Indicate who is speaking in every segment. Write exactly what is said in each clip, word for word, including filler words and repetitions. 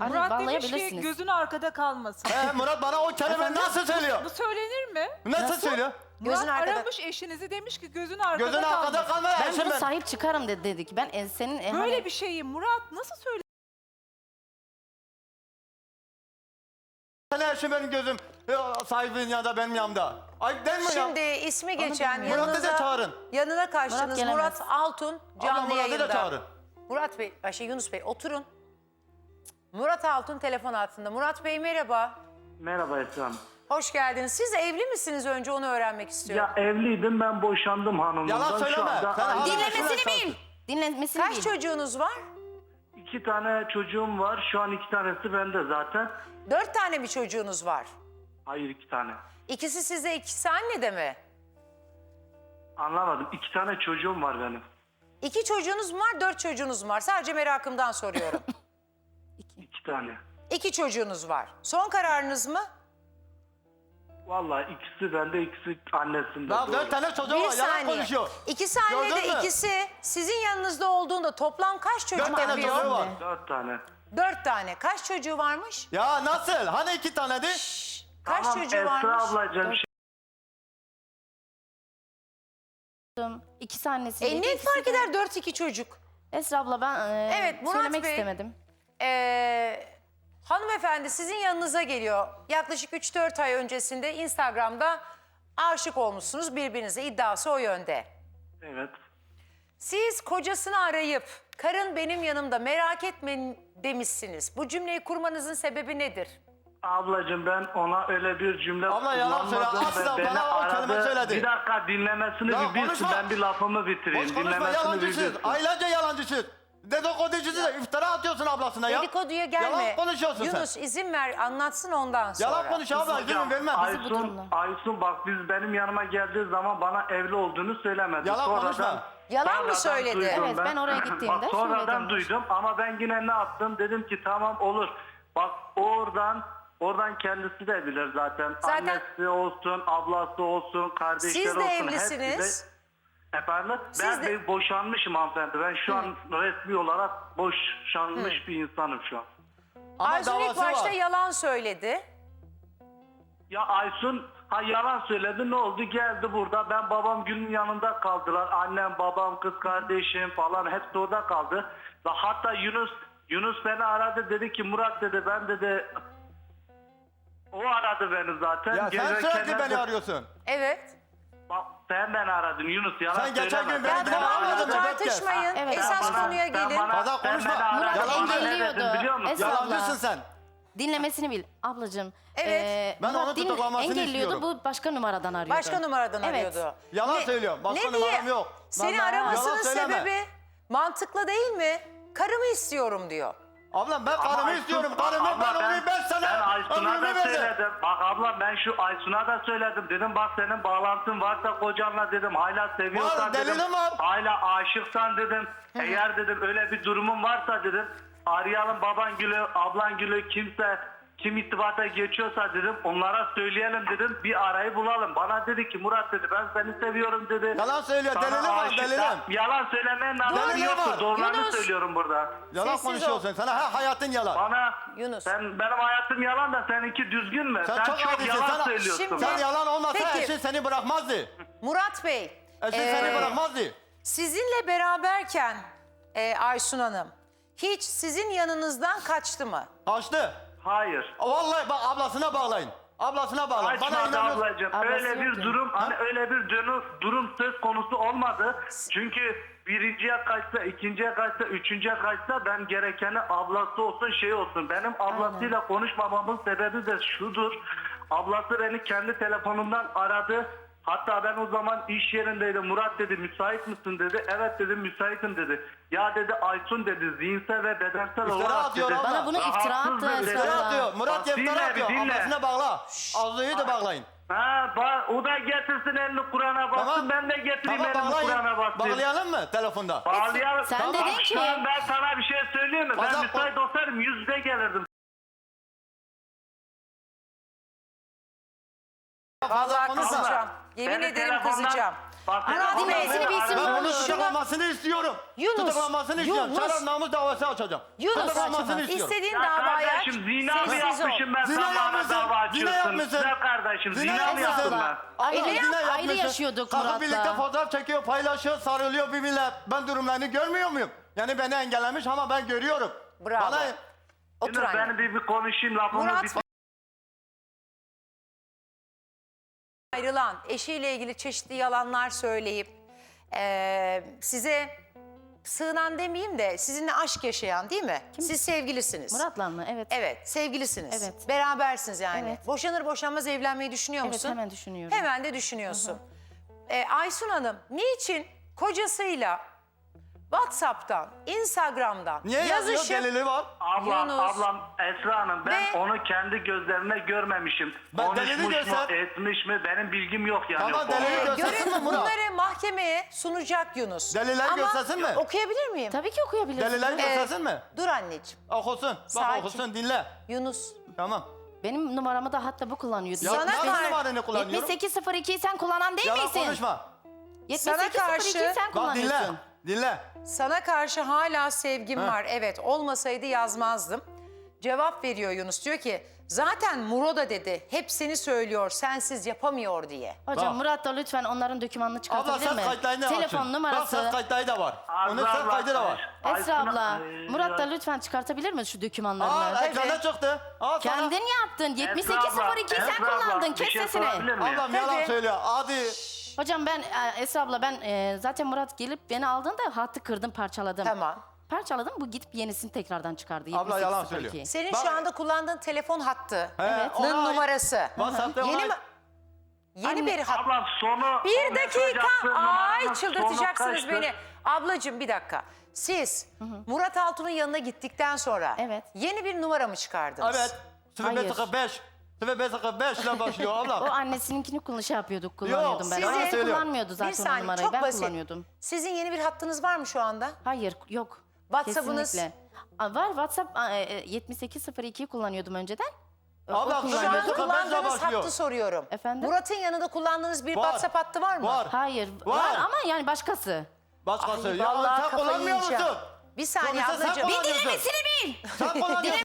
Speaker 1: Anne,
Speaker 2: Murat demiş ki
Speaker 1: bağlayabilirsiniz.
Speaker 2: gözün arkada kalmasın.
Speaker 3: He, Murat bana o kelime
Speaker 1: Efendim?
Speaker 3: nasıl söylüyor?
Speaker 2: Bu söylenir mi?
Speaker 3: Nasıl,
Speaker 1: Nasıl?
Speaker 3: söylüyor?
Speaker 2: Murat
Speaker 4: Gözün arkada-
Speaker 2: aramış eşinizi, demiş ki gözün arkada
Speaker 3: Gözün arkada
Speaker 2: kalmasın.
Speaker 3: kalmaya
Speaker 1: Ben
Speaker 3: eşim
Speaker 1: bunu
Speaker 3: ben.
Speaker 1: sahip çıkarım dedi, dedik. Ben e, senin e,
Speaker 2: Böyle
Speaker 1: hani-
Speaker 2: bir şeyi Murat nasıl söyler?
Speaker 3: Sana eşim benim gözüm e, sahibinin yanında benim yanımda. Ayıp değil mi ya?
Speaker 4: Şimdi ismi geçen
Speaker 1: bilmiyorum.
Speaker 3: Murat'ı da
Speaker 4: yanınıza,
Speaker 3: çağırın.
Speaker 4: yanına kaçtınız
Speaker 1: Murat gelemez.
Speaker 4: Murat Altun canlı
Speaker 3: Abla Murat'ı da
Speaker 4: yayında.
Speaker 3: çağırın.
Speaker 4: Murat Bey, ay şey Yunus Bey oturun. Murat Altun telefon altında. Murat Bey merhaba.
Speaker 5: Merhaba Esra Hanım.
Speaker 4: Hoş geldiniz. Siz evli misiniz, önce onu öğrenmek istiyorum.
Speaker 5: Ya evliydim, ben boşandım hanımımdan.
Speaker 3: Yalan
Speaker 5: Şu
Speaker 3: söyleme.
Speaker 5: anda
Speaker 3: Sen hala
Speaker 1: Dinlemesini
Speaker 3: eşine
Speaker 1: bil.
Speaker 3: çalışın.
Speaker 1: Dinlemesini
Speaker 4: Kaç
Speaker 1: bil.
Speaker 4: çocuğunuz var?
Speaker 5: iki tane çocuğum var. Şu an iki tanesi bende zaten.
Speaker 4: Dört tane mi çocuğunuz var?
Speaker 5: Hayır, iki tane.
Speaker 4: İkisi size, ikisi annede mi?
Speaker 5: Anlamadım. İki tane çocuğum var benim.
Speaker 4: İki çocuğunuz mu var, dört çocuğunuz mu var? Sadece merakımdan soruyorum.
Speaker 5: İki tane.
Speaker 4: İki çocuğunuz var. Son kararınız mı?
Speaker 5: Vallahi ikisi bende, ikisi annesinde.
Speaker 3: Ya
Speaker 5: doğru.
Speaker 3: dört tane çocuğu
Speaker 4: Bir
Speaker 3: var, yalan
Speaker 4: saniye.
Speaker 3: konuşuyor.
Speaker 4: İkisi
Speaker 3: Gördün
Speaker 4: annede,
Speaker 3: mü?
Speaker 4: ikisi sizin yanınızda olduğunda toplam kaç çocuk
Speaker 3: Dört tane
Speaker 4: yapıyor?
Speaker 3: çocuğu var.
Speaker 5: Dört tane.
Speaker 4: Dört tane. Kaç çocuğu varmış?
Speaker 3: Ya nasıl? Hani iki taneydi?
Speaker 4: Kaç
Speaker 5: Tamam
Speaker 4: çocuğu
Speaker 5: Esra
Speaker 4: varmış?
Speaker 5: ablacığım.
Speaker 1: İkisi annesi.
Speaker 4: E ne fark eder dört iki çocuk?
Speaker 1: Esra abla ben e,
Speaker 4: Evet, Murat
Speaker 1: söylemek
Speaker 4: Bey.
Speaker 1: istemedim.
Speaker 4: Ee, hanımefendi sizin yanınıza geliyor. Yaklaşık üç dört ay öncesinde Instagram'da aşık olmuşsunuz birbirinize. İddiası o yönde.
Speaker 5: Evet.
Speaker 4: Siz kocasını arayıp karın benim yanımda merak etmeyin demişsiniz. Bu cümleyi kurmanızın sebebi nedir?
Speaker 5: Ablacığım ben ona öyle bir cümle
Speaker 3: Abla yalan söyle,
Speaker 5: kullanmadım
Speaker 3: asla
Speaker 5: ve beni
Speaker 3: bana o kelime
Speaker 5: aradı.
Speaker 3: söyledi.
Speaker 5: Bir dakika dinlemesini
Speaker 3: Ya
Speaker 5: bir bilsin,
Speaker 3: konuşma.
Speaker 5: ben bir lafımı bitireyim.
Speaker 3: Boş konuşma,
Speaker 5: dinlemesini bir
Speaker 3: yalancısın.
Speaker 5: bilsin.
Speaker 3: Aylarca yalancısın. Dedikoducusun da iftira atıyorsun ablasına ya.
Speaker 4: Dedikoduya gelme.
Speaker 3: Yalan konuşuyorsun
Speaker 4: Yunus
Speaker 3: sen.
Speaker 4: izin ver anlatsın ondan sonra.
Speaker 3: Yalan konuş abla, izin vermem.
Speaker 1: bu durumda.
Speaker 5: Aysun, Aysun bak biz benim yanıma geldiği zaman bana evli olduğunu söylemedi.
Speaker 3: Yalan
Speaker 5: Sonradan-
Speaker 3: konuşma.
Speaker 4: Yalan mı
Speaker 5: sonradan
Speaker 4: söyledi?
Speaker 5: duydum
Speaker 1: Evet, ben oraya gittiğimde
Speaker 5: Bak sonradan
Speaker 1: söyledim.
Speaker 5: duydum ama ben yine ne yaptım? Dedim ki tamam olur. Bak oradan oradan kendisi de bilir zaten.
Speaker 4: Zaten-
Speaker 5: Annesi olsun, ablası olsun, kardeşleri
Speaker 4: Siz de
Speaker 5: olsun.
Speaker 4: evlisiniz.
Speaker 5: hepsi de- Efendim?
Speaker 4: Siz
Speaker 5: ben
Speaker 4: de-
Speaker 5: de... boşanmışım hanımefendi. Ben şu an resmi olarak boşanmış bir insanım şu an.
Speaker 3: Ama
Speaker 4: Aysun ilk
Speaker 3: davası
Speaker 4: başta
Speaker 3: var.
Speaker 4: yalan söyledi.
Speaker 5: Ya Aysun ha yalan söyledi, ne oldu, geldi burada, ben babam Gül'ün yanında kaldılar, annem babam kız kardeşim falan hepsi orada kaldı ve hatta Yunus Yunus beni aradı, dedi ki Murat dedi, ben dedi o aradı beni zaten.
Speaker 3: Ya sen
Speaker 5: Gelirken
Speaker 3: sürekli beni
Speaker 5: de-
Speaker 3: arıyorsun.
Speaker 4: Evet.
Speaker 5: Bak, sen beni aradın Yunus, yalan
Speaker 3: Sen geçen
Speaker 5: söyleme.
Speaker 3: gün
Speaker 5: Sen
Speaker 3: beni
Speaker 5: beni
Speaker 3: aramadın
Speaker 5: aradın.
Speaker 3: mı?
Speaker 4: Tartışmayın.
Speaker 1: Evet.
Speaker 4: Esas
Speaker 5: Sen bana-
Speaker 4: konuya
Speaker 5: sen
Speaker 4: gelin.
Speaker 5: bana-
Speaker 3: Fazla
Speaker 5: sen
Speaker 3: konuşma.
Speaker 5: beni aradın.
Speaker 1: Murat
Speaker 5: Bana ne
Speaker 1: engelliyordu.
Speaker 5: dedin biliyor musun?
Speaker 1: Esra-
Speaker 3: Yalancısın sen.
Speaker 1: Dinlemesini bil ablacığım.
Speaker 4: Evet.
Speaker 1: Ee,
Speaker 3: Ben
Speaker 1: Murat
Speaker 3: onu
Speaker 1: din-
Speaker 3: tutuklamasını
Speaker 1: engelliyordu,
Speaker 3: istiyorum.
Speaker 1: bu başka numaradan arıyordu.
Speaker 4: Başka numaradan
Speaker 1: Evet.
Speaker 4: arıyordu.
Speaker 3: Yalan söylüyor. Başka
Speaker 4: ne diye-
Speaker 3: numaram yok.
Speaker 4: Seni
Speaker 1: Vallahi
Speaker 4: aramasının
Speaker 3: yalan söyleme.
Speaker 4: sebebi mantıklı değil mi? Karımı istiyorum diyor.
Speaker 3: Ablam ben
Speaker 5: Ama
Speaker 3: karımı
Speaker 5: Aysun-
Speaker 3: istiyorum. Karımı
Speaker 5: abla
Speaker 3: ben onu beş sene
Speaker 5: Ben Aysun'a
Speaker 3: ömrümü
Speaker 5: da
Speaker 3: verdim.
Speaker 5: söyledim. Bak abla ben şu Aysun'a da söyledim. Dedim bak senin bağlantın varsa kocanla dedim. Hala seviyorsan
Speaker 3: Var,
Speaker 5: dedim.
Speaker 3: delilim var.
Speaker 5: Hala aşıksan dedim. Eğer dedim öyle bir durumun varsa dedim. Arayalım baban gülü, ablan gülü, kimse kim irtibata geçiyorsa dedim. Onlara söyleyelim dedim. Bir arayı bulalım. Bana dedi ki Murat dedi ben seni seviyorum dedi.
Speaker 3: Yalan söylüyor,
Speaker 5: Sana
Speaker 3: delilim var,
Speaker 5: aşık-
Speaker 3: delilim.
Speaker 5: Yalan söylemeyen
Speaker 3: Delilim
Speaker 5: anlamı
Speaker 3: var.
Speaker 5: yoktur. Doğrularını
Speaker 4: Yunus.
Speaker 5: söylüyorum burada.
Speaker 3: Yalan
Speaker 4: Sessiz
Speaker 3: konuşuyorsun. Sana ha, hayatın yalan.
Speaker 5: Bana
Speaker 4: Yunus.
Speaker 5: sen benim hayatım yalan da seninki düzgün mü?
Speaker 3: Sen
Speaker 5: Sen,
Speaker 3: çok
Speaker 5: çok,
Speaker 3: adisin,
Speaker 5: yalan
Speaker 3: sana-
Speaker 5: söylüyorsun.
Speaker 4: Şimdi-
Speaker 3: Sen yalan olmasa
Speaker 4: Peki.
Speaker 3: eşin seni bırakmazdı.
Speaker 4: Murat Bey.
Speaker 3: Eşin
Speaker 4: ee,
Speaker 3: seni bırakmazdı.
Speaker 4: Sizinle beraberken e, Aysun Hanım hiç sizin yanınızdan kaçtı mı?
Speaker 3: Kaçtı.
Speaker 5: Hayır.
Speaker 3: Vallahi bak ablasına bağlayın. Ablasına bağlayın. Bana
Speaker 5: Açmadı
Speaker 3: inanıyorsun.
Speaker 5: ablacığım.
Speaker 1: Ablası
Speaker 5: Öyle bir
Speaker 1: yoktu.
Speaker 5: durum, hani öyle bir dönü, durum söz konusu olmadı. Çünkü birinciye kaçsa, ikinciye kaçsa, üçüncüye kaçsa ben gerekeni ablası olsun şey olsun. Benim ablasıyla konuşmamamın sebebi de şudur. Ablası beni kendi telefonundan aradı. Hatta ben o zaman iş yerindeydim. Murat dedi müsait misin dedi. Evet dedim müsaitim dedi. Ya dedi Aysun dedi zihinsel ve bedensel
Speaker 3: İftira
Speaker 5: olarak
Speaker 3: atıyor
Speaker 5: dedi.
Speaker 3: abla.
Speaker 1: Bana bunu iftira
Speaker 5: rahatsız
Speaker 1: attı
Speaker 5: dedi.
Speaker 1: Esra
Speaker 3: İftira
Speaker 1: abla.
Speaker 3: atıyor. Murat
Speaker 5: Bak,
Speaker 3: iftira
Speaker 5: dinle,
Speaker 3: atıyor.
Speaker 5: bir dinle.
Speaker 3: Ablasına bağla. Ağzıyı da bağlayın.
Speaker 5: Ha, ba- o da getirsin elini Kur'an'a bassın,
Speaker 3: Tamam.
Speaker 5: ben de getireyim
Speaker 3: Tamam
Speaker 5: elimi Kur'an'a
Speaker 3: bağlayın.
Speaker 5: bassın.
Speaker 3: Bağlayalım mı telefonda?
Speaker 5: Bağlayalım.
Speaker 1: Sen
Speaker 5: Tamam,
Speaker 1: dedin
Speaker 5: şu
Speaker 1: ki-
Speaker 5: an ben sana bir şey söyleyeyim mi? Ben
Speaker 3: Fazla-
Speaker 5: müsait olsaydım yüz yüze gelirdim.
Speaker 3: Fazla
Speaker 4: Vallahi
Speaker 3: konuşma.
Speaker 4: kızacağım.
Speaker 5: Abla,
Speaker 4: Yemin
Speaker 5: Beni
Speaker 4: ederim
Speaker 5: telefondan-
Speaker 4: kızacağım.
Speaker 5: Bak,
Speaker 4: Murat
Speaker 5: telefondan
Speaker 4: Bey,
Speaker 5: beni
Speaker 1: bilsin
Speaker 5: aradı.
Speaker 3: Ben
Speaker 1: bunu.
Speaker 3: bunu
Speaker 4: Şunu-
Speaker 3: tutuklanmasını istiyorum.
Speaker 4: Yunus,
Speaker 3: Tutuklanmasını istiyorum.
Speaker 4: Yunus.
Speaker 3: Şeref namus davası açacağım.
Speaker 4: Yunus,
Speaker 3: Tutuklanmasını istiyorum.
Speaker 4: istediğin
Speaker 5: Ya
Speaker 4: davayı aç.
Speaker 5: kardeşim zina mı
Speaker 4: Sessiz ol.
Speaker 5: yapmışım ben
Speaker 3: Zina
Speaker 5: sen bana
Speaker 3: yapmışsın,
Speaker 5: dava
Speaker 3: zina
Speaker 5: açıyorsun.
Speaker 3: yapmışsın.
Speaker 5: Güzel kardeşim
Speaker 3: Zina
Speaker 5: zina mı
Speaker 3: yapmışsın.
Speaker 5: yaptım ben?
Speaker 1: Ayrı,
Speaker 3: Abla, zina
Speaker 1: ayrı
Speaker 3: yapmışsın.
Speaker 1: yaşıyorduk
Speaker 3: Kalkıp
Speaker 1: Murat'la.
Speaker 3: birlikte fotoğraf çekiyor, paylaşıyor, sarılıyor birbirine. Ben durumlarını görmüyor muyum? Yani beni engellemiş ama ben görüyorum.
Speaker 4: Bravo.
Speaker 3: Bana
Speaker 4: Otur
Speaker 5: Yunus,
Speaker 4: anne.
Speaker 5: ben bir, bir konuşayım lafımı
Speaker 4: Murat
Speaker 5: bitir.
Speaker 4: ayrılan, eşiyle ilgili çeşitli yalanlar söyleyip eee, size sığınan demeyeyim de sizinle aşk yaşayan değil mi? Siz sevgilisiniz.
Speaker 1: Murat'la mı? Evet.
Speaker 4: Evet, sevgilisiniz.
Speaker 1: Evet.
Speaker 4: Berabersiniz yani.
Speaker 1: Evet.
Speaker 4: Boşanır boşanmaz evlenmeyi düşünüyor
Speaker 1: Evet,
Speaker 4: musun?
Speaker 1: hemen düşünüyorum.
Speaker 4: Hemen de düşünüyorsun. Ee, Aysun Hanım, niçin kocasıyla WhatsApp'tan, Instagram'dan
Speaker 3: niye yazıyor
Speaker 4: yazışıp
Speaker 3: delili var?
Speaker 5: Ablam,
Speaker 4: Yunus.
Speaker 5: ablam Esra Hanım ben
Speaker 4: Ve-
Speaker 5: onu kendi gözlerimle görmemişim.
Speaker 3: Ben delili
Speaker 5: Konuşmuş mu,
Speaker 3: göster.
Speaker 5: etmiş mi benim bilgim yok yani.
Speaker 3: Tamam,
Speaker 5: o konuda.
Speaker 3: delili göster. Göstersin
Speaker 4: görün
Speaker 3: mi Murat?
Speaker 4: bunları mahkemeye sunacak Yunus.
Speaker 3: Deliller
Speaker 4: Ama
Speaker 3: göstersin mi?
Speaker 4: okuyabilir miyim?
Speaker 1: Tabii ki okuyabilirsin.
Speaker 3: Deliller
Speaker 1: Evet.
Speaker 3: göstersin mi?
Speaker 4: Dur anneciğim.
Speaker 3: Okusun. Bak
Speaker 4: Sakin.
Speaker 3: okusun dinle.
Speaker 4: Yunus.
Speaker 3: Tamam.
Speaker 1: Benim numaramı da hatta bu kullanıyordu.
Speaker 3: Ya
Speaker 4: Sana
Speaker 3: nasıl
Speaker 4: kar-
Speaker 3: numaranı kullanıyorum?
Speaker 1: yetmiş sekiz sıfır ikiyi sen kullanan değil
Speaker 3: Yalan
Speaker 1: misin?
Speaker 3: konuşma.
Speaker 1: yetmiş
Speaker 4: Sana
Speaker 1: sekiz sıfır ikiyi
Speaker 4: karşı-
Speaker 1: sen
Speaker 3: Bak dinle.
Speaker 1: kullanıyorsun.
Speaker 3: Dinle.
Speaker 4: Sana karşı hala sevgim
Speaker 3: Ha.
Speaker 4: var. Evet, olmasaydı yazmazdım. Cevap veriyor Yunus. Diyor ki zaten Muro da dedi. Hep seni söylüyor, sensiz yapamıyor diye.
Speaker 1: Hocam
Speaker 3: Bak.
Speaker 1: Murat da lütfen onların dokümanını
Speaker 3: Abla
Speaker 1: çıkartabilir
Speaker 3: ses
Speaker 1: mi?
Speaker 3: kayıtlarını
Speaker 1: Telefon
Speaker 3: açın. Bak ses
Speaker 1: numarası.
Speaker 3: kayıtları da var.
Speaker 5: Azra
Speaker 3: Onun ses
Speaker 5: abla,
Speaker 3: kaydı da var.
Speaker 1: Esra
Speaker 5: Aysun-
Speaker 1: abla,
Speaker 5: Ee,
Speaker 1: Murat da lütfen çıkartabilir mi şu dokümanlarını?
Speaker 3: Aa ekrana çıktı. Aa, sana-
Speaker 1: Kendin yaptın. yetmiş
Speaker 5: Esra
Speaker 1: sekiz sıfır
Speaker 5: abla,
Speaker 1: ikiyi sen
Speaker 5: Esra abla,
Speaker 1: kullandın.
Speaker 5: bir
Speaker 1: Kes
Speaker 5: şey
Speaker 1: sesini.
Speaker 5: sorabilir miyim?
Speaker 3: Ablam yalan
Speaker 4: Tabii.
Speaker 3: söylüyor. Hadi.
Speaker 1: Hocam ben e, Esra abla ben e, zaten Murat gelip beni aldığında hattı kırdım, parçaladım.
Speaker 4: Tamam.
Speaker 1: Parçaladım, bu gidip yenisini tekrardan çıkardı.
Speaker 3: Abla
Speaker 1: yetmiş sekiz
Speaker 3: yalan
Speaker 1: sıfır iki.
Speaker 3: söylüyor.
Speaker 4: Senin
Speaker 3: Bak-
Speaker 4: şu anda kullandığın telefon hattı.
Speaker 1: Evet.
Speaker 3: ona ait-
Speaker 4: numarası.
Speaker 3: WhatsApp'ta
Speaker 4: Yeni
Speaker 3: ona
Speaker 4: mi?
Speaker 3: ait-
Speaker 4: Yeni bir hat.
Speaker 5: Ablam sonu...
Speaker 4: Bir
Speaker 5: o mesaj
Speaker 4: dakika.
Speaker 5: attığı
Speaker 4: Ay
Speaker 5: numaranın
Speaker 4: çıldırtacaksınız
Speaker 5: sonu kaçtı?
Speaker 4: beni. Ablacığım bir dakika. Siz Murat Altun'un yanına gittikten sonra
Speaker 1: Evet.
Speaker 4: yeni bir numara mı çıkardınız?
Speaker 3: Evet. sıfır beş sıfır beş. sıfır beş sıfır beş ile başlıyor
Speaker 1: O
Speaker 3: ablam.
Speaker 1: annesinkini kullan şey yapıyorduk, kullanıyordum ben.
Speaker 3: size-
Speaker 1: Annesi
Speaker 3: Söylüyorum.
Speaker 1: kullanmıyordu
Speaker 4: Bir
Speaker 1: zaten o
Speaker 4: saniye
Speaker 1: numarayı.
Speaker 4: çok
Speaker 1: Ben
Speaker 4: basit.
Speaker 1: kullanıyordum.
Speaker 4: Sizin yeni bir hattınız var mı şu anda?
Speaker 1: Hayır, yok.
Speaker 4: WhatsApp'ınız?
Speaker 1: Kesinlikle. Aa, var WhatsApp aa, e, yetmiş sekiz sıfır ikiyi kullanıyordum önceden. O- o
Speaker 3: Abla,
Speaker 4: Şu
Speaker 1: kullanıyordum.
Speaker 4: an
Speaker 3: Beşe
Speaker 4: kullandığınız
Speaker 3: başlıyor.
Speaker 4: hattı soruyorum.
Speaker 1: Efendim?
Speaker 4: Murat'ın yanında kullandığınız bir
Speaker 3: Var.
Speaker 4: WhatsApp hattı var mı?
Speaker 3: Var.
Speaker 1: Hayır,
Speaker 3: Var.
Speaker 1: var ama yani başkası.
Speaker 3: Başkası.
Speaker 4: Ay,
Speaker 3: Ya
Speaker 4: vallahi
Speaker 3: sen
Speaker 4: kafayı
Speaker 3: kullanmıyor musun?
Speaker 4: yiyeceğim. Bir saniye
Speaker 3: Sonuçta sen
Speaker 4: ablacığım.
Speaker 1: Bir
Speaker 3: kullanıyorsun.
Speaker 1: dinlemesini bil.
Speaker 3: Sen kullanıyorsun.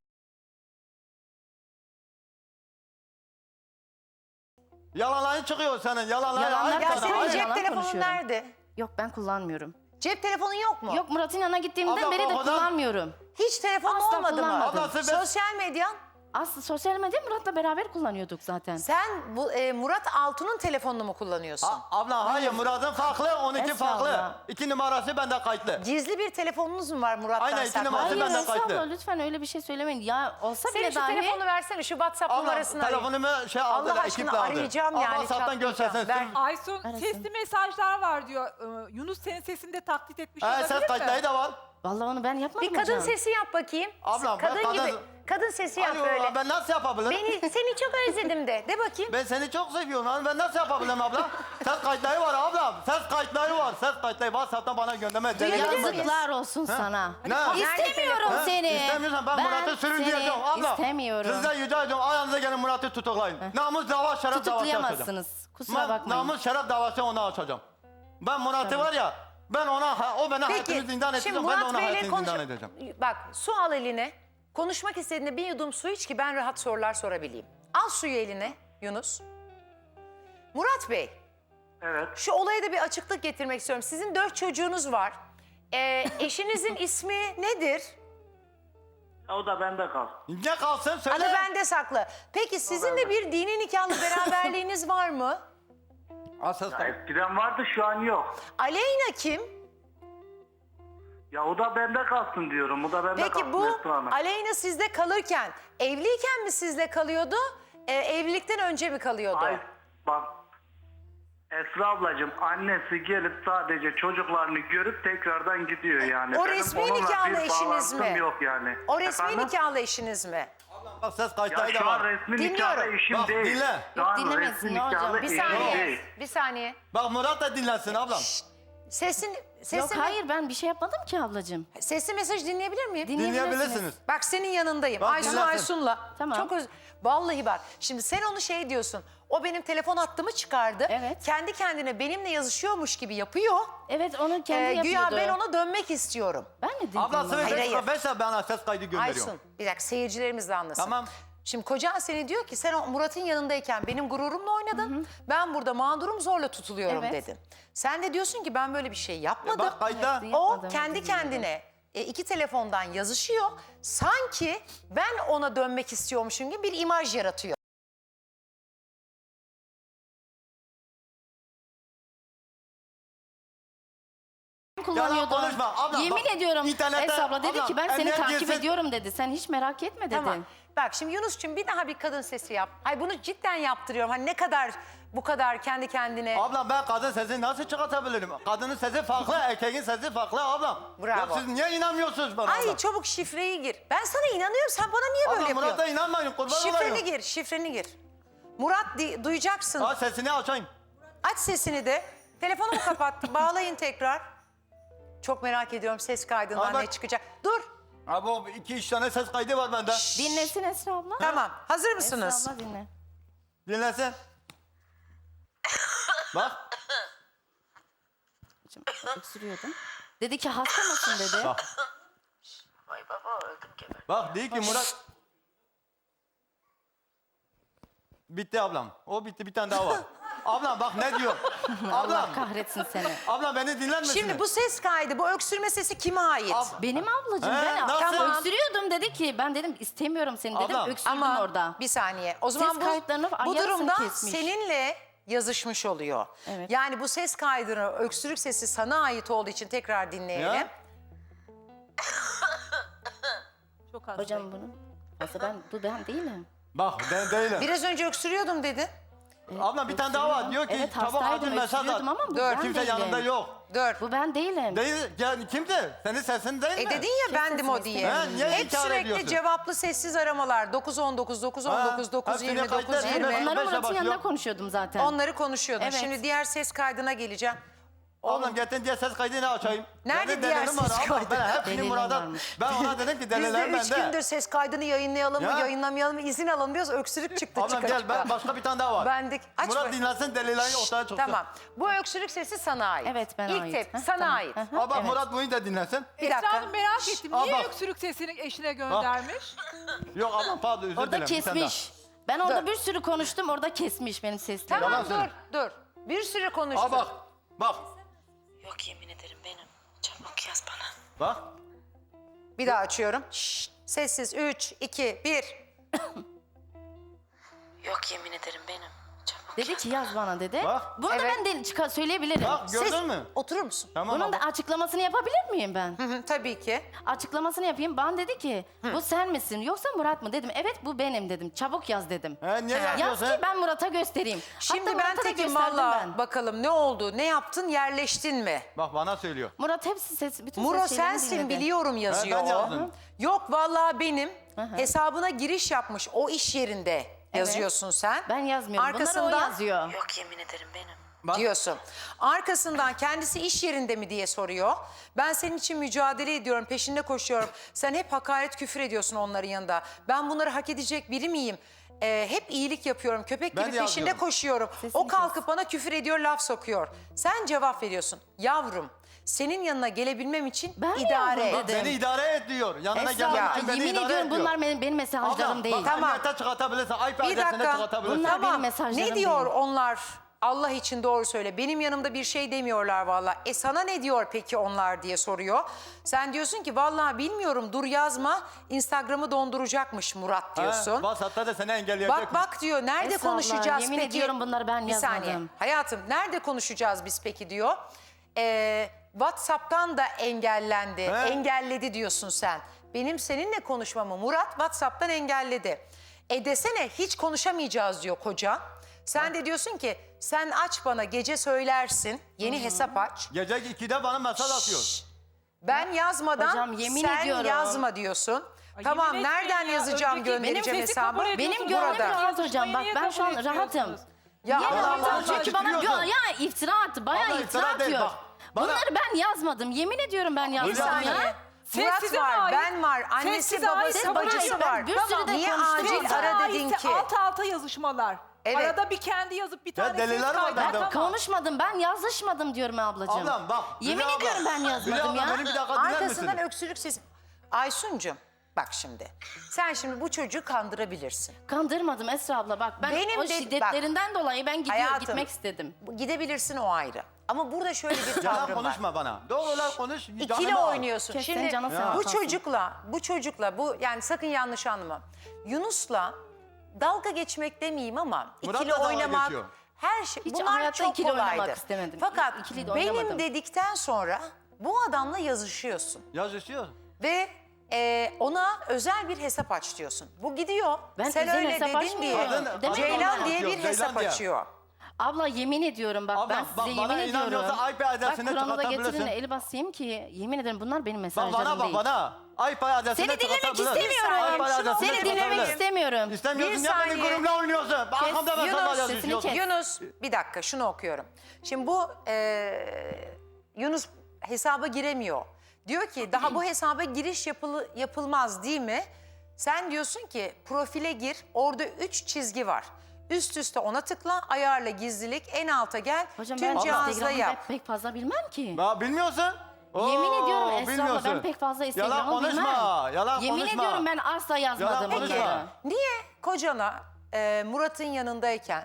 Speaker 3: Yalanların çıkıyor senin. Yalanlar
Speaker 1: Yalanlar
Speaker 3: ayıp
Speaker 4: Ya
Speaker 3: sana,
Speaker 1: Sana
Speaker 4: senin
Speaker 3: ayıp.
Speaker 4: cep
Speaker 1: yalan
Speaker 4: telefonun
Speaker 1: konuşuyorum.
Speaker 4: nerede?
Speaker 1: Yok, ben kullanmıyorum.
Speaker 4: Cep telefonun yok mu?
Speaker 1: Yok, Murat'ın yanına gittiğimden
Speaker 3: Abla,
Speaker 1: beri de
Speaker 3: o kadar-
Speaker 1: kullanmıyorum.
Speaker 4: Hiç telefonun
Speaker 1: Asla
Speaker 4: olmadı mı?
Speaker 1: kullanmadım.
Speaker 3: Abla, sen-
Speaker 4: Sosyal medyan?
Speaker 1: Aslında sosyal medya Murat'la beraber kullanıyorduk zaten.
Speaker 4: Sen bu e, Murat Altun'un telefonunu mu kullanıyorsun?
Speaker 3: A- Abla hayır Murat'ın farklı, onunki
Speaker 1: Esra
Speaker 3: farklı.
Speaker 1: abla.
Speaker 3: İki numarası bende kayıtlı.
Speaker 4: Gizli bir telefonunuz mu var Murat'tan
Speaker 3: Aynen, iki
Speaker 4: saklı?
Speaker 3: numarası
Speaker 1: Hayır
Speaker 3: benden
Speaker 1: Esra
Speaker 3: kayıtlı.
Speaker 1: abla, lütfen öyle bir şey söylemeyin. Ya olsa
Speaker 4: Senin
Speaker 1: bile
Speaker 4: şu
Speaker 1: dahi...
Speaker 4: telefonunu versene, şu WhatsApp
Speaker 3: Abla
Speaker 4: numarasını arayayım.
Speaker 3: telefonumu şey aldı
Speaker 4: Allah
Speaker 3: da
Speaker 4: aşkına
Speaker 3: ekiple aldı.
Speaker 4: arayacağım yani,
Speaker 3: Abla WhatsApp'tan
Speaker 4: çatlayacağım.
Speaker 3: göstersen.
Speaker 4: Ben-
Speaker 3: Ben...
Speaker 2: Aysun
Speaker 1: Arasın.
Speaker 2: sesli mesajlar var diyor. Ee, Yunus senin sesini de taklit etmiş
Speaker 3: Ee,
Speaker 2: olabilir
Speaker 3: ses
Speaker 2: mi?
Speaker 3: kayıtları da var.
Speaker 1: Vallahi onu ben yapmadım
Speaker 4: Bir kadın
Speaker 1: hocam.
Speaker 4: sesi yap bakayım.
Speaker 3: Ablam, ben
Speaker 4: kadın
Speaker 3: kadın-
Speaker 4: gibi. Kadın sesi yap
Speaker 3: Alo,
Speaker 4: böyle.
Speaker 3: ben nasıl yapabilirim?
Speaker 4: Beni seni çok özledim de. De bakayım.
Speaker 3: Ben seni çok seviyorum lan. Ben nasıl yapabilirim abla? Ses kayıtları var ablam. Ses kayıtları var. Ses kayıtları WhatsApp'tan bana gönderme.
Speaker 4: Duyabilir
Speaker 3: Delil-
Speaker 4: miyiz?
Speaker 1: Yazıklar olsun sana.
Speaker 3: Ne?
Speaker 1: İstemiyorum
Speaker 3: Ha?
Speaker 1: seni.
Speaker 3: İstemiyorsan ben, Murat'ı sürün
Speaker 1: seni
Speaker 3: diyeceğim abla.
Speaker 1: istemiyorum.
Speaker 3: Sizden rica ediyorum ayağınıza gelin Murat'ı tutuklayın. Namus dava şeref davası açacağım.
Speaker 1: Tutuklayamazsınız. Kusura
Speaker 3: Ben
Speaker 1: bakmayın.
Speaker 3: namus şeref davası ona açacağım. Ben Murat'ı var ya, ben ona, ha- o beni hayatını zindan
Speaker 4: Peki şimdi
Speaker 3: edeceğim, ben de
Speaker 4: Murat
Speaker 3: ona
Speaker 4: Bey'le
Speaker 3: hayatını
Speaker 4: konuş...
Speaker 3: zindan edeceğim.
Speaker 4: Bak su al eline. Konuşmak istediğinde bir yudum su iç ki ben rahat sorular sorabileyim. Al suyu eline Yunus. Murat Bey,
Speaker 5: Evet.
Speaker 4: şu olaya da bir açıklık getirmek istiyorum. Sizin dört çocuğunuz var. Ee, eşinizin ismi nedir?
Speaker 5: O da bende kal.
Speaker 3: Ne kalsın söyle.
Speaker 4: Adı bende saklı. Peki sizin de bir dini nikahlı beraberliğiniz var mı?
Speaker 3: Asıl
Speaker 5: Ya eskiden vardı şu an yok.
Speaker 4: Aleyna kim?
Speaker 5: Ya o da bende kalsın diyorum. O da bende
Speaker 4: Peki
Speaker 5: kalsın
Speaker 4: bu
Speaker 5: Esra Hanım.
Speaker 4: Aleyna sizde kalırken evliyken mi sizle kalıyordu? Ee, evlilikten önce mi kalıyordu?
Speaker 5: Ay bak Esra ablacığım annesi gelip sadece çocuklarını görüp tekrardan gidiyor yani.
Speaker 4: O
Speaker 5: Benim
Speaker 4: resmi
Speaker 5: onunla
Speaker 4: nikahlı
Speaker 5: bir
Speaker 4: eşiniz
Speaker 5: bağlantım
Speaker 4: mi?
Speaker 5: yok yani.
Speaker 4: O resmi
Speaker 5: Efendim?
Speaker 4: nikahlı eşiniz mi?
Speaker 3: Bak ses
Speaker 5: Ya
Speaker 3: kayıtları da
Speaker 5: şu an
Speaker 3: var.
Speaker 5: resmi
Speaker 4: Dinliyorum.
Speaker 5: nikahlı eşim
Speaker 3: Bak,
Speaker 5: değil.
Speaker 3: dinle.
Speaker 5: Şu an
Speaker 1: dinlemesin
Speaker 5: resmi
Speaker 1: ne hocam?
Speaker 5: nikahlı
Speaker 4: Bir
Speaker 5: eşim
Speaker 4: saniye.
Speaker 5: değil.
Speaker 4: Bir saniye.
Speaker 3: Bak Murat da dinlensin ablam.
Speaker 4: Sesin, sesli,
Speaker 1: Yok hayır ben bir şey yapmadım ki ablacığım.
Speaker 4: sesli mesaj dinleyebilir miyim?
Speaker 3: Dinleyebilirsiniz.
Speaker 4: Bak senin yanındayım.
Speaker 3: Bak,
Speaker 4: Aysun
Speaker 3: dinlersin.
Speaker 4: Aysun'la.
Speaker 1: Tamam.
Speaker 4: Çok öz... Vallahi bak. Şimdi sen onu şey diyorsun. O benim telefon hattımı çıkardı.
Speaker 1: Evet.
Speaker 4: Kendi kendine benimle yazışıyormuş gibi yapıyor.
Speaker 1: Evet onu kendi
Speaker 4: Ee, güya
Speaker 1: yapıyordu.
Speaker 4: ben ona dönmek istiyorum.
Speaker 1: Ben mi dedim?
Speaker 3: Abla
Speaker 1: ona?
Speaker 3: sıvı
Speaker 4: Hayır, hayır.
Speaker 3: beş bana ses kaydı gönderiyor.
Speaker 4: Aysun bir dakika seyircilerimiz de anlasın.
Speaker 3: Tamam.
Speaker 4: Şimdi kocan seni diyor ki sen o Murat'ın yanındayken benim gururumla oynadın. Ben burada mağdurum zorla tutuluyorum
Speaker 1: Evet.
Speaker 4: dedin. Sen de diyorsun ki ben böyle bir şey yapmadım.
Speaker 3: Bak kayda.
Speaker 1: Evet,
Speaker 4: O
Speaker 1: yapmadım,
Speaker 4: kendi
Speaker 1: bilmiyorum.
Speaker 4: kendine e, iki telefondan yazışıyor. Sanki ben ona dönmek istiyormuşum gibi bir imaj yaratıyor.
Speaker 1: kullanıyordu.
Speaker 3: Yalan konuşma, abla,
Speaker 1: Yemin
Speaker 3: bak,
Speaker 1: ediyorum
Speaker 3: internette-
Speaker 1: Esra abla dedi
Speaker 3: abla,
Speaker 1: ki ben seni
Speaker 3: emniyet
Speaker 1: takip
Speaker 3: girsin.
Speaker 1: ediyorum dedi. Sen hiç merak etme dedi.
Speaker 4: Tamam. Bak şimdi Yunus'cum bir daha bir kadın sesi yap. Ay bunu cidden yaptırıyorum. Hani ne kadar bu kadar kendi kendine.
Speaker 3: Ablam ben kadın sesini nasıl çıkartabilirim? Kadının sesi farklı, erkeğin sesi farklı ablam.
Speaker 4: Bravo.
Speaker 3: Ya siz niye inanmıyorsunuz bana
Speaker 4: Ay
Speaker 3: ablam?
Speaker 4: çabuk şifreyi gir. Ben sana inanıyorum. Sen bana niye böyle
Speaker 3: Ablam
Speaker 4: yapıyorsun?
Speaker 3: Murat'a inanmayın kurban
Speaker 4: Şifreni
Speaker 3: olayım.
Speaker 4: gir, şifreni gir. Murat di- duyacaksın.
Speaker 3: Ha sesini açayım.
Speaker 4: Aç sesini de. Telefonumu kapattı. Bağlayın tekrar. Çok merak ediyorum ses kaydından
Speaker 3: Aa, bak-
Speaker 4: ne çıkacak. Dur.
Speaker 3: Abi o iki üç tane ses kaydı var bende.
Speaker 1: Dinlesin Esra abla.
Speaker 4: Tamam. Hazır mısınız?
Speaker 1: Esra abla dinle.
Speaker 3: Dinlesin. Bak.
Speaker 1: Şimdi öksürüyordum. Dedi ki hasta mısın dedi.
Speaker 3: Bak. Bak değil ki Murat. Bitti ablam. O bitti bir tane daha var. Ablam bak ne diyor.
Speaker 1: Allah
Speaker 3: Ablam.
Speaker 1: kahretsin seni.
Speaker 3: Ablam beni dinler misin?
Speaker 4: Şimdi bu ses kaydı, bu öksürme sesi kime ait?
Speaker 3: Ab-
Speaker 1: Benim ablacığım
Speaker 3: He,
Speaker 1: ben
Speaker 3: nasıl?
Speaker 1: tamam. öksürüyordum dedi ki ben dedim istemiyorum seni dedim
Speaker 3: Ablam.
Speaker 1: öksürdüm
Speaker 4: Ama
Speaker 1: orada.
Speaker 4: bir saniye. O zaman
Speaker 1: Ses
Speaker 4: bu,
Speaker 1: kayıtlarını
Speaker 4: bu
Speaker 1: yarısını
Speaker 4: durumda
Speaker 1: kesmiş.
Speaker 4: seninle yazışmış oluyor.
Speaker 1: Evet.
Speaker 4: Yani bu ses kaydını, öksürük sesi sana ait olduğu için tekrar dinleyelim.
Speaker 3: Ya.
Speaker 2: Çok hasta.
Speaker 1: Hocam bunu. Aslında ben bu ben değilim.
Speaker 3: Bak ben değilim.
Speaker 4: Biraz önce öksürüyordum dedi.
Speaker 3: Ablam bir tane daha var. Diyor ki
Speaker 1: Evet
Speaker 3: çabuk acil
Speaker 1: hastaydım
Speaker 3: mesaj at.
Speaker 1: öksürüyordum ama bu
Speaker 4: Dört.
Speaker 1: ben
Speaker 3: Kimse
Speaker 1: değilim.
Speaker 3: yanında yok.
Speaker 4: Dur.
Speaker 1: Bu ben değilim.
Speaker 3: Değil. Yani kimdi? Senin sesin değil mi?
Speaker 4: E dedin ya bendim o diye.
Speaker 3: Ha, niye
Speaker 4: Hep
Speaker 3: inkar
Speaker 4: sürekli
Speaker 3: ediyorsun?
Speaker 4: cevaplı sessiz aramalar. dokuz on dokuz, dokuz on dokuz,
Speaker 3: Ha,
Speaker 4: dokuz
Speaker 3: hepsini
Speaker 4: yirmi,
Speaker 3: kayıtlar,
Speaker 4: dokuz
Speaker 3: hemen
Speaker 4: yirmi.
Speaker 3: onları-
Speaker 1: Onları
Speaker 3: beşe
Speaker 1: Murat'ın
Speaker 3: başlıyor.
Speaker 1: yanında konuşuyordum zaten.
Speaker 4: Onları konuşuyordun.
Speaker 1: Evet.
Speaker 4: Şimdi diğer ses kaydına geleceğim.
Speaker 3: Ablam getir diye ses kaydını açayım.
Speaker 4: Nerede
Speaker 3: Benim
Speaker 4: diğer
Speaker 3: delilim var
Speaker 4: ses
Speaker 3: ablam.
Speaker 4: kaydı?
Speaker 3: Ben hepsini
Speaker 1: Delilim
Speaker 3: Murat'a...
Speaker 1: varmış.
Speaker 3: Ben ona dedim ki
Speaker 4: Biz
Speaker 3: deliler
Speaker 4: de üç
Speaker 3: bende.
Speaker 4: gündür ses kaydını yayınlayalım mı,
Speaker 3: Ya.
Speaker 4: yayınlamayalım mı, izin alalım diyoruz. Öksürük çıktı
Speaker 3: Ablam
Speaker 4: çıka
Speaker 3: gel
Speaker 4: çıka.
Speaker 3: ben başka bir tane daha var.
Speaker 4: Bendik. Aç
Speaker 3: Murat
Speaker 4: bakayım.
Speaker 3: dinlensin delileri ortaya çıksın.
Speaker 4: Tamam. Bu öksürük sesi sana ait.
Speaker 1: Evet, bana
Speaker 4: İlk
Speaker 1: ait.
Speaker 4: tep
Speaker 1: Heh,
Speaker 4: sana
Speaker 1: tamam.
Speaker 4: ait.
Speaker 1: Heh.
Speaker 3: Aa, bak
Speaker 1: Evet.
Speaker 3: Murat bunu da dinlesin.
Speaker 4: Bir
Speaker 2: Esra
Speaker 4: dakika.
Speaker 2: Hanım merak ettim.
Speaker 3: Aa,
Speaker 2: Niye
Speaker 3: bak.
Speaker 2: öksürük sesini eşine göndermiş?
Speaker 3: Yok ablam pardon özür
Speaker 1: Orada
Speaker 3: dilerim. bir tane daha.
Speaker 1: kesmiş. Ben orada
Speaker 4: Dur.
Speaker 1: bir sürü konuştum orada kesmiş benim seslerimi.
Speaker 4: Tamam
Speaker 3: Yalan
Speaker 4: dur
Speaker 3: söyle.
Speaker 4: dur. Bir sürü konuştun.
Speaker 3: Aa bak. Bak.
Speaker 6: Yok yemin ederim benim. Çabuk yaz bana.
Speaker 3: Bak.
Speaker 4: Bir daha açıyorum. Şşt, sessiz. Üç, iki, bir.
Speaker 6: Yok yemin ederim benim. Çabuk
Speaker 1: Dedi ki yaz bana dedi.
Speaker 3: Bak.
Speaker 1: Bunu
Speaker 4: Evet.
Speaker 1: da ben de çıkar söyleyebilirim.
Speaker 3: Bak gördün
Speaker 4: Ses-
Speaker 3: mü?
Speaker 4: Oturur musun?
Speaker 3: Tamam
Speaker 1: Bunun da
Speaker 3: abla.
Speaker 1: açıklamasını yapabilir miyim ben?
Speaker 4: Hı hı, tabii ki.
Speaker 1: Açıklamasını yapayım. Bana dedi ki bu sen misin yoksa Murat mı dedim. Evet bu benim dedim. Çabuk yaz dedim.
Speaker 3: He, niye
Speaker 1: Yaz
Speaker 3: yazıyorsun?
Speaker 1: ki ben Murat'a göstereyim.
Speaker 4: Şimdi
Speaker 1: Hatta
Speaker 4: ben
Speaker 1: Murat'a da
Speaker 4: tekim
Speaker 1: gösterdim
Speaker 4: valla.
Speaker 1: ben.
Speaker 4: Bakalım ne oldu? Ne yaptın? Yerleştin mi?
Speaker 3: Bak bana söylüyor.
Speaker 1: Murat hepsi ses, bütün
Speaker 4: Muro
Speaker 1: ses şeylerini
Speaker 4: sensin
Speaker 1: dinledi.
Speaker 4: biliyorum yazıyor.
Speaker 3: ben yazdım.
Speaker 4: Yok vallahi benim hesabına giriş yapmış o iş yerinde yazıyorsun sen.
Speaker 1: Ben yazmıyorum. Bunları o
Speaker 4: Arkasından
Speaker 1: yazıyor.
Speaker 6: Yok yemin ederim benim.
Speaker 3: Bak.
Speaker 4: diyorsun. Arkasından kendisi iş yerinde mi diye soruyor. Ben senin için mücadele ediyorum, peşinde koşuyorum. Sen hep hakaret küfür ediyorsun onların yanında. Ben bunları hak edecek biri miyim? Ee, hep iyilik yapıyorum, köpek
Speaker 3: Ben
Speaker 4: gibi
Speaker 3: de
Speaker 4: peşinde
Speaker 3: yazıyorum.
Speaker 4: koşuyorum.
Speaker 1: Sesini
Speaker 4: O kalkıp bana küfür ediyor, laf sokuyor. Sen cevap veriyorsun. Yavrum, senin yanına gelebilmem için
Speaker 1: Ben mi
Speaker 4: idare
Speaker 1: yavrum
Speaker 4: et.
Speaker 1: dedim?
Speaker 3: Beni idare et diyor. Yanına
Speaker 1: Esra
Speaker 3: gelmek
Speaker 1: abla,
Speaker 3: için beni
Speaker 1: yemin
Speaker 3: idare
Speaker 1: ediyorum
Speaker 3: et diyor.
Speaker 1: bunlar benim, benim mesajlarım
Speaker 3: Ablam,
Speaker 1: değil.
Speaker 3: Bak,
Speaker 4: Tamam.
Speaker 3: emniyete çıkartabilirsin. iPad
Speaker 4: Bir
Speaker 3: adresine
Speaker 4: dakika.
Speaker 3: çıkartabilirsin.
Speaker 1: Bunlar benim
Speaker 4: Tamam.
Speaker 1: mesajlarım
Speaker 4: Ne diyor
Speaker 1: değil.
Speaker 4: onlar? Allah için doğru söyle. Benim yanımda bir şey demiyorlar vallahi. E sana ne diyor peki onlar diye soruyor. Sen diyorsun ki vallahi bilmiyorum dur yazma. Instagram'ı donduracakmış Murat diyorsun.
Speaker 3: He, WhatsApp'ta da seni engelleyecek.
Speaker 4: Bak bak diyor nerede
Speaker 1: Esra abla,
Speaker 4: konuşacağız
Speaker 1: yemin
Speaker 4: peki?
Speaker 1: ediyorum bunları ben
Speaker 4: Bir saniye.
Speaker 1: yazmadım.
Speaker 4: Hayatım nerede konuşacağız biz peki diyor. Ee, WhatsApp'tan da engellendi.
Speaker 3: He.
Speaker 4: Engelledi diyorsun sen. Benim seninle konuşmamı Murat WhatsApp'tan engelledi. E desene hiç konuşamayacağız diyor kocan. Sen de diyorsun ki sen aç bana gece söylersin. Yeni hesap aç.
Speaker 3: Gece ikide bana mesaj atıyor.
Speaker 4: Ben yazmadan
Speaker 1: Hocam, yemin
Speaker 4: sen
Speaker 1: ediyorum.
Speaker 4: yazma diyorsun.
Speaker 2: Ay,
Speaker 4: Tamam
Speaker 2: yemin etmeyin
Speaker 4: nereden
Speaker 2: ya.
Speaker 4: yazacağım
Speaker 2: Önceki-
Speaker 4: göndereceğim
Speaker 2: benim sesi
Speaker 4: hesabı?
Speaker 2: kabul ediyorsunuz.
Speaker 1: Benim gönlüm
Speaker 2: Burada.
Speaker 1: rahat hocam. Bak
Speaker 2: Niye
Speaker 1: ben şu an
Speaker 2: kabul
Speaker 1: rahatım.
Speaker 2: etmiyorsunuz?
Speaker 4: Ya
Speaker 1: Niye
Speaker 3: Allah
Speaker 1: rahatım?
Speaker 3: Allah,
Speaker 1: Çünkü bana
Speaker 3: iftiriyorsun.
Speaker 1: ya iftira attı. Bayağı
Speaker 3: Allah
Speaker 1: iftira
Speaker 3: iftira değil,
Speaker 1: atıyor.
Speaker 3: bak. Bana-
Speaker 1: Bunları ben yazmadım. Yemin ediyorum ben
Speaker 4: Bir
Speaker 1: yazmadım
Speaker 4: saniye.
Speaker 1: ya.
Speaker 2: Siz
Speaker 4: Murat
Speaker 2: size
Speaker 4: var,
Speaker 2: ait.
Speaker 4: ben var, annesi,
Speaker 2: size ait,
Speaker 4: babası,
Speaker 2: size
Speaker 4: bacısı
Speaker 1: ait.
Speaker 4: var.
Speaker 1: Ben bir sürü de
Speaker 4: Niye
Speaker 1: konuştum
Speaker 4: acil
Speaker 1: orada.
Speaker 4: ara dedin
Speaker 2: Aitse
Speaker 4: ki?
Speaker 2: alt alta yazışmalar.
Speaker 4: Evet.
Speaker 2: Arada bir kendi yazıp bir tane ses
Speaker 3: deliler var
Speaker 2: kaydı.
Speaker 3: bende.
Speaker 2: Tamam.
Speaker 1: Konuşmadım. Ben yazışmadım diyorum ablacığım.
Speaker 3: Ablam bak.
Speaker 1: Yemin
Speaker 3: Hülya
Speaker 1: ediyorum
Speaker 3: abla,
Speaker 1: ben
Speaker 3: Hülya
Speaker 1: yazmadım
Speaker 3: abla,
Speaker 1: ya.
Speaker 3: Beni bir dakika dinler misin?
Speaker 4: Arkasından öksürük sesi. Aysun'cum bak şimdi. Sen şimdi bu çocuğu kandırabilirsin.
Speaker 1: Kandırmadım Esra abla bak. Ben
Speaker 4: Benim
Speaker 1: o
Speaker 4: de-
Speaker 1: şiddetlerinden dolayı ben gidiyor,
Speaker 4: Hayatım,
Speaker 1: gitmek istedim.
Speaker 4: Gidebilirsin o ayrı. Ama burada şöyle bir
Speaker 3: Yalan
Speaker 4: tavrım var.
Speaker 3: konuşma bana. Doğrular konuş.
Speaker 4: İkili
Speaker 3: canımı al.
Speaker 4: oynuyorsun.
Speaker 1: Kes,
Speaker 4: Şimdi
Speaker 1: senin canın
Speaker 3: Ya.
Speaker 1: sağ
Speaker 4: bu
Speaker 1: olsun.
Speaker 4: çocukla, bu çocukla, bu yani sakın yanlış anlama. Yunus'la dalga geçmek demeyeyim ama
Speaker 3: Murat
Speaker 4: ikili
Speaker 3: da dalga
Speaker 4: oynamak,
Speaker 3: geçiyor.
Speaker 4: her şey
Speaker 1: Hiç
Speaker 4: bunlar
Speaker 1: hayatta
Speaker 4: çok
Speaker 1: ikili oynamak
Speaker 4: kolaydı.
Speaker 1: istemedim.
Speaker 4: Fakat
Speaker 1: İkili de
Speaker 4: benim
Speaker 1: oynamadım.
Speaker 4: dedikten sonra bu adamla yazışıyorsun
Speaker 3: Yazışıyor.
Speaker 4: ve e, ona özel bir hesap aç diyorsun. Bu gidiyor.
Speaker 1: Ben
Speaker 4: Sen
Speaker 1: özel
Speaker 4: öyle
Speaker 1: hesap
Speaker 4: dedin diye
Speaker 1: açmıyorum.
Speaker 3: Adın-
Speaker 1: Demedim
Speaker 4: Ceylan
Speaker 1: ben.
Speaker 4: diye bir
Speaker 3: Yok, Ceylan
Speaker 4: hesap
Speaker 3: diye.
Speaker 4: açıyor.
Speaker 1: Abla yemin ediyorum bak
Speaker 3: Abla,
Speaker 1: ben
Speaker 3: bak,
Speaker 1: size
Speaker 3: bana
Speaker 1: yemin ediyorum.
Speaker 3: inanmıyorsa I P
Speaker 1: Bak
Speaker 3: adresini
Speaker 1: Kur'an'ı da
Speaker 3: çıkartabilirsin.
Speaker 1: getirin eli basayım ki yemin ederim bunlar benim
Speaker 3: Bak
Speaker 1: mesajlarım
Speaker 3: bana bak
Speaker 1: değil.
Speaker 3: bana. I P adresini
Speaker 1: Seni dinlemek
Speaker 3: çıkartabilirsin.
Speaker 1: istemiyorum.
Speaker 3: I P adresini
Speaker 1: Seni dinlemek
Speaker 3: çıkartabilirsin.
Speaker 1: istemiyorum.
Speaker 3: İstemiyorsun
Speaker 4: Bir
Speaker 3: ya benim
Speaker 4: saniye.
Speaker 3: gururumla oynuyorsun. Bak arkamda mesaj
Speaker 4: Yunus,
Speaker 3: yazıyorsun.
Speaker 1: sesini kes.
Speaker 4: Yunus bir dakika şunu okuyorum. Şimdi bu e, Yunus hesaba giremiyor. Diyor ki daha bu hesaba giriş yapılı, yapılmaz değil mi? Sen diyorsun ki profile gir, orada üç çizgi var. Üst üste ona tıkla, ayarla gizlilik, en alta gel,
Speaker 1: Hocam
Speaker 4: tüm
Speaker 1: ben
Speaker 4: cihazla
Speaker 1: Instagram'ı
Speaker 4: yap.
Speaker 1: pek, pek fazla bilmem ki.
Speaker 3: Ya bilmiyorsun.
Speaker 1: Yemin
Speaker 3: Oo,
Speaker 1: ediyorum Esra abla
Speaker 3: bilmiyorsun.
Speaker 1: ben pek fazla Instagram'ı
Speaker 3: Yalan konuşma,
Speaker 1: bilmem.
Speaker 3: yalan
Speaker 1: Yemin
Speaker 3: konuşma.
Speaker 1: ediyorum ben asla yazmadım
Speaker 3: Yalan konuşma.
Speaker 1: bunları.
Speaker 4: Niye kocana e, Murat'ın yanındayken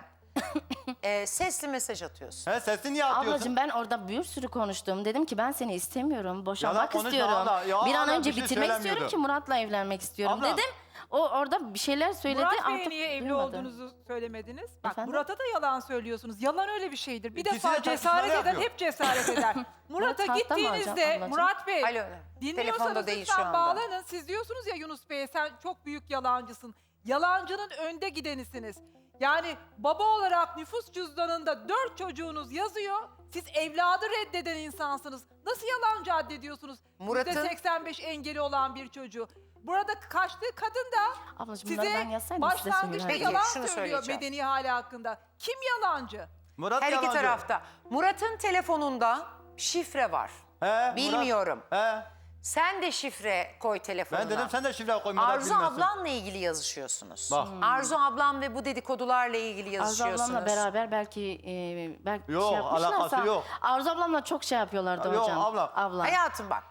Speaker 4: e, sesli mesaj atıyorsun?
Speaker 3: He sesini niye atıyorsun?
Speaker 1: Ablacığım ben orada bir sürü konuştum. Dedim ki ben seni istemiyorum. Boşanmak
Speaker 3: Yalan konuşma
Speaker 1: istiyorum.
Speaker 3: abla. Ya
Speaker 1: bir an
Speaker 3: abla
Speaker 1: önce
Speaker 3: bir şey
Speaker 1: bitirmek istiyorum
Speaker 3: söylemiyordu.
Speaker 1: ki Murat'la evlenmek istiyorum
Speaker 3: Abla.
Speaker 1: dedim. O orada bir şeyler söyledi.
Speaker 2: Murat Bey'e
Speaker 1: artık
Speaker 2: niye evli
Speaker 1: duymadım.
Speaker 2: olduğunuzu söylemediniz? Bak
Speaker 1: Efendim?
Speaker 2: Murat'a da yalan söylüyorsunuz. Yalan öyle bir şeydir. Bir
Speaker 3: İkisi de
Speaker 2: defa
Speaker 3: tartışmalar
Speaker 2: cesaret eder,
Speaker 3: yapıyor.
Speaker 2: hep cesaret eder. Murat'a
Speaker 1: Murat tahta mı
Speaker 2: gittiğinizde
Speaker 1: ablacığım?
Speaker 2: Murat Bey
Speaker 4: Alo, telefonda
Speaker 2: dinliyorsanız
Speaker 4: değil şu
Speaker 2: lütfen
Speaker 4: anda.
Speaker 2: bağlanın. Siz diyorsunuz ya Yunus Bey sen çok büyük yalancısın. Yalancının önde gidenisiniz. Yani baba olarak nüfus cüzdanında dört çocuğunuz yazıyor. Siz evladı reddeden insansınız. Nasıl yalancı addediyorsunuz?
Speaker 4: Murat'ın-
Speaker 2: yüzde seksen beş engeli olan bir çocuğu. Burada kaçtığı kadın da
Speaker 1: Ablacığım bunları
Speaker 2: size
Speaker 1: ben yazsaydım size
Speaker 2: başlangıçta
Speaker 1: söylerdim.
Speaker 4: Peki,
Speaker 2: yalan
Speaker 4: şunu
Speaker 2: söylüyor
Speaker 4: söyleyeceğim.
Speaker 2: medeni hali hakkında. Kim yalancı?
Speaker 3: Murat
Speaker 4: Her iki
Speaker 3: yalancı.
Speaker 4: tarafta. Murat'ın telefonunda şifre var.
Speaker 3: He, Murat-
Speaker 4: Bilmiyorum.
Speaker 3: He.
Speaker 4: Sen de şifre koy telefonuna.
Speaker 3: Ben dedim sen de şifre koy Murat
Speaker 4: Arzu
Speaker 3: bilmesin.
Speaker 4: ablanla ilgili yazışıyorsunuz.
Speaker 3: Bak.
Speaker 4: Arzu ablam ve bu dedikodularla ilgili
Speaker 1: Arzu
Speaker 4: yazışıyorsunuz.
Speaker 1: ablamla beraber belki e, belki
Speaker 3: Yok,
Speaker 1: şey yapmışlarsa.
Speaker 3: alakası yok.
Speaker 1: Arzu ablamla çok şey yapıyorlardı
Speaker 3: Yok,
Speaker 1: hocam.
Speaker 3: abla.
Speaker 1: Abla.
Speaker 4: Hayatım bak.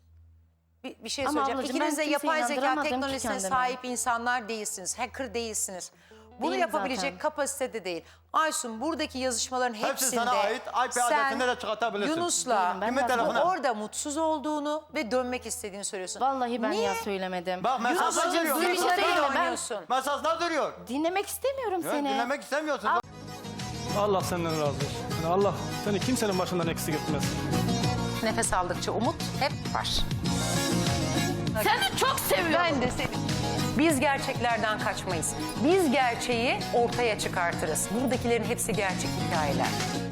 Speaker 4: Bir, bir şey
Speaker 1: Ama
Speaker 4: söyleyeceğim.
Speaker 1: ablacığım,
Speaker 4: İkiniz de
Speaker 1: ben kimseyi
Speaker 4: yapay zeka
Speaker 1: inandıramadım ki
Speaker 4: teknolojisine
Speaker 1: kendime.
Speaker 4: sahip insanlar değilsiniz. Hacker değilsiniz. Bunu
Speaker 1: Değilim
Speaker 4: yapabilecek
Speaker 1: zaten.
Speaker 4: kapasitede değil. Aysun buradaki yazışmaların
Speaker 3: Hepsi
Speaker 4: hepsinde
Speaker 3: sana ait. I P
Speaker 4: sen
Speaker 3: adresinde de çıkartabilirsin.
Speaker 4: Yunus'la
Speaker 1: Değilim, ben
Speaker 3: Kimin
Speaker 1: yazmadım.
Speaker 3: telefonu?
Speaker 4: orada mutsuz olduğunu ve dönmek istediğini söylüyorsun.
Speaker 1: Vallahi ben
Speaker 4: Niye?
Speaker 1: ya söylemedim.
Speaker 3: Bak mesajlar
Speaker 1: Ablacığım,
Speaker 3: duruyor.
Speaker 1: dur bir şey
Speaker 4: Duygularıyla
Speaker 1: söyleyeyim mi? Ben
Speaker 4: oynuyorsun.
Speaker 3: Mesajlar duruyor.
Speaker 1: dinlemek istemiyorum
Speaker 3: Ya,
Speaker 1: seni.
Speaker 3: dinlemek istemiyorsun.
Speaker 7: Allah senden razı olsun. Yani Allah seni kimsenin başından eksik etmez.
Speaker 4: Nefes aldıkça umut hep var.
Speaker 1: Seni çok seviyorum.
Speaker 4: Ben de seni. Biz gerçeklerden kaçmayız. Biz gerçeği ortaya çıkartırız. Buradakilerin hepsi gerçek hikayeler.